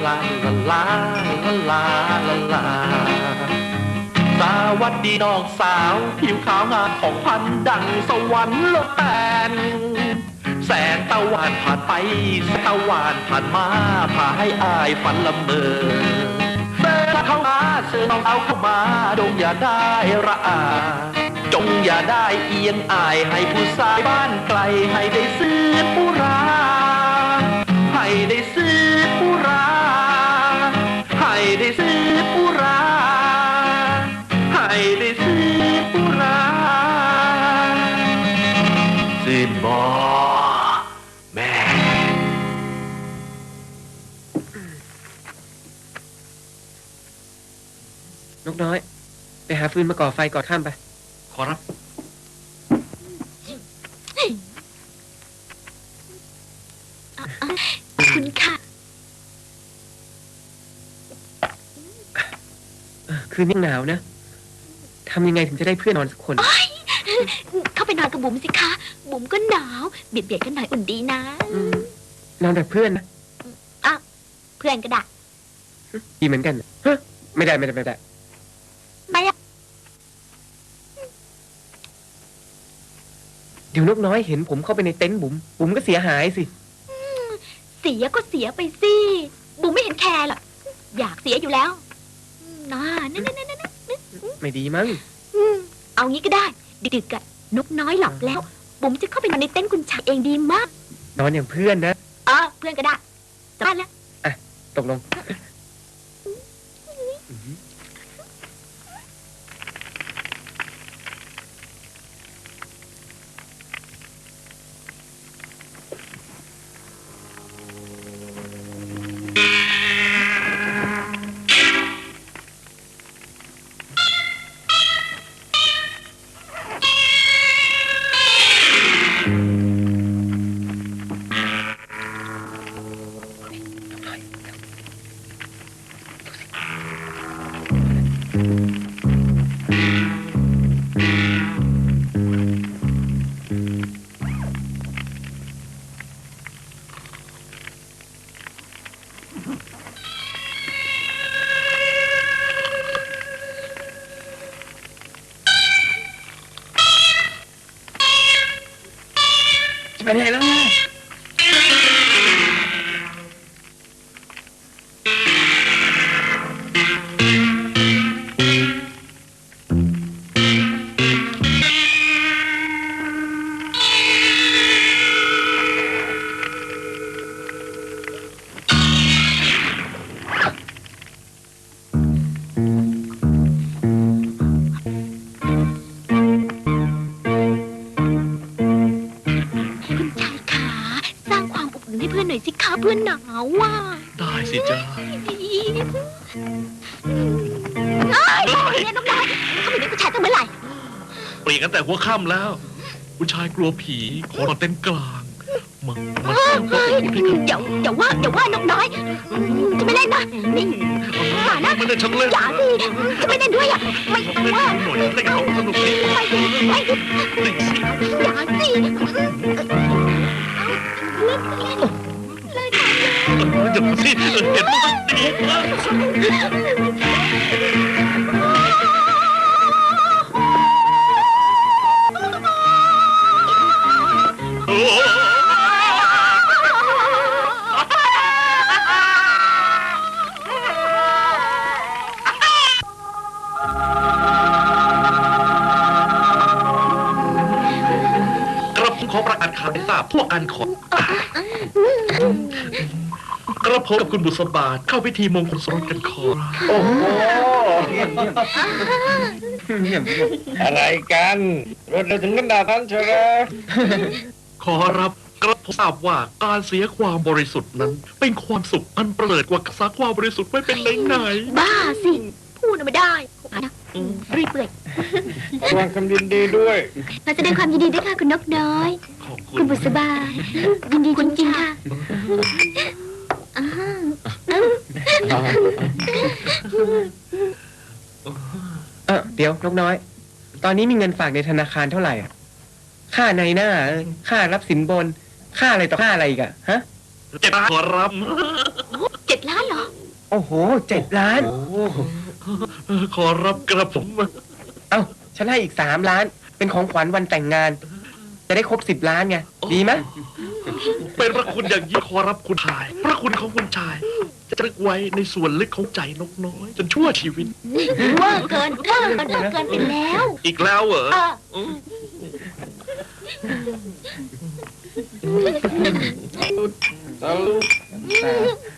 ลาลาลาลาลาลาสวัสดีน้องสาวผิวขาวงามของพันดังสวรรค์โลดแตนแสงตะวันผ่านไปแสงตะวันผ่านมาพาให้อายฝันละเมอเดินเข้ามาเสือน้องเอาเข้ามาจงอย่าได้ระอาจงอย่าได้เอียงอายให้ผู้ชายบ้านไกลให้ได้ซื้อผู้ราให้ได้ซื้อผู้ราให้ได้ซื้อผู้ราให้ได้ซื้อผู้ราซื้อบ่แม่นกน้อย ไปหาฟืนมาก่อไฟก่อนข้ามไปขอรับคุณค่ะคืนนี้หนาวนะทำยังไงถึงจะได้เพื่อนนอนสักคนเข้าไปนอนกับบุ๋มสิคะ บุ๋มก็หนาว เบียดกันหน่อยอุ่นดีนะนอนแบบเพื่อนนะอ่ะเพื่อนก็ได้ดีเหมือนกันฮะไม่ได้ไม่อะเดี๋ยวนกน้อยเห็นผมเข้าไปในเต็นท์บุ๋มก็เสียหายสิเสียก็เสียไปสิ บุ๋มไม่เห็นแคร์หรอก อยากเสียอยู่แล้วน่านั่นไม่ดีมั้งเอางี้ก็ได้ ดึกๆอะนกน้อยหลับแล้ว บุ๋มจะเข้าไปนอนในเต็นท์คุณชายเองดีมากนอนอย่างเพื่อนนะเพื่อนก็ได้จะบ้านแล้วตกลงจะไปไหนแล้วเนี่ยคุณชายขาสร้างความอบอุ่นให้เพื่อนหน่อยสิคะเพื่อนหนาวว่ะได้สิจ้าเนี่ยน้องน้อยเขาไม่ได้ผู้ชายตั้งเมื่อไหร่เปลี่ยนกันแต่หัวค่ำแล้วผู้ชายกลัวผีขอนอนเต็นท์กลางมาสร้างความอบอุ่นให้กันเดี๋ยวว่าน้องน้อยจะไม่เล่นนะนี่อย่านะไม่ได้ฉันเล่นอย่าสิจะไม่เล่นด้วยอ่ะไม่เล่นว่าหน่อยเล่นกับเขาสนุกดีไม่ดิไม่ดิเล่นสิอย่าสิเล่นเดี๋ยวสิเห็นมันดีโอ้ กระผมขอประกาศข่าวให้ทราบพวกกันขอกระผมกับคุณบุษบาเข้าพิธีมงคลสมรสกันขอโอ้โหเยี่ยมอะไรกันรถเราถึงกันดาท่านเชียวนะขอรับกระผมทราบว่าการเสียความบริสุทธิ์นั้น เป็นความสุขอันประเสริฐกว่ารักษาความบริสุทธิ์ไว้เป็นไหนบ้าสิพูดไม่ได้นะรีบเปื่อยระวังคำยินดีด้วยมาแสดงความยินดีด้วยค่ะคุณนกน้อยๆขอบคุคุณณบุษบายินดีจริงๆค่ะอ้าวเดี๋ยวนกน้อย ตอนนี้มีเงินฝากในธนาคารเท่าไหร่อ่ะ ค่าในหน้าค่ารับสินบน ค่าอะไรต่อค่าอะไรอีกอ่ะ ฮะเจ็บขอรับ 7 ล้านเหรอโอ้โห 7 ล้านขอรับกระผมเอ้า ฉันให้อีก 3 ล้าน เป็นของขวัญวันแต่งงาน จะได้ครบ 10 ล้านไง ดีไหมเป็นพระคุณอย่างยิ่งขอรับคุณชาย พระคุณของคุณชาย จะตรึกไว้ในส่วนลึกของใจนกน้อย จนชั่วชีวิตเวอร์เกินไปแล้วอีกแล้วเหรอสาธุ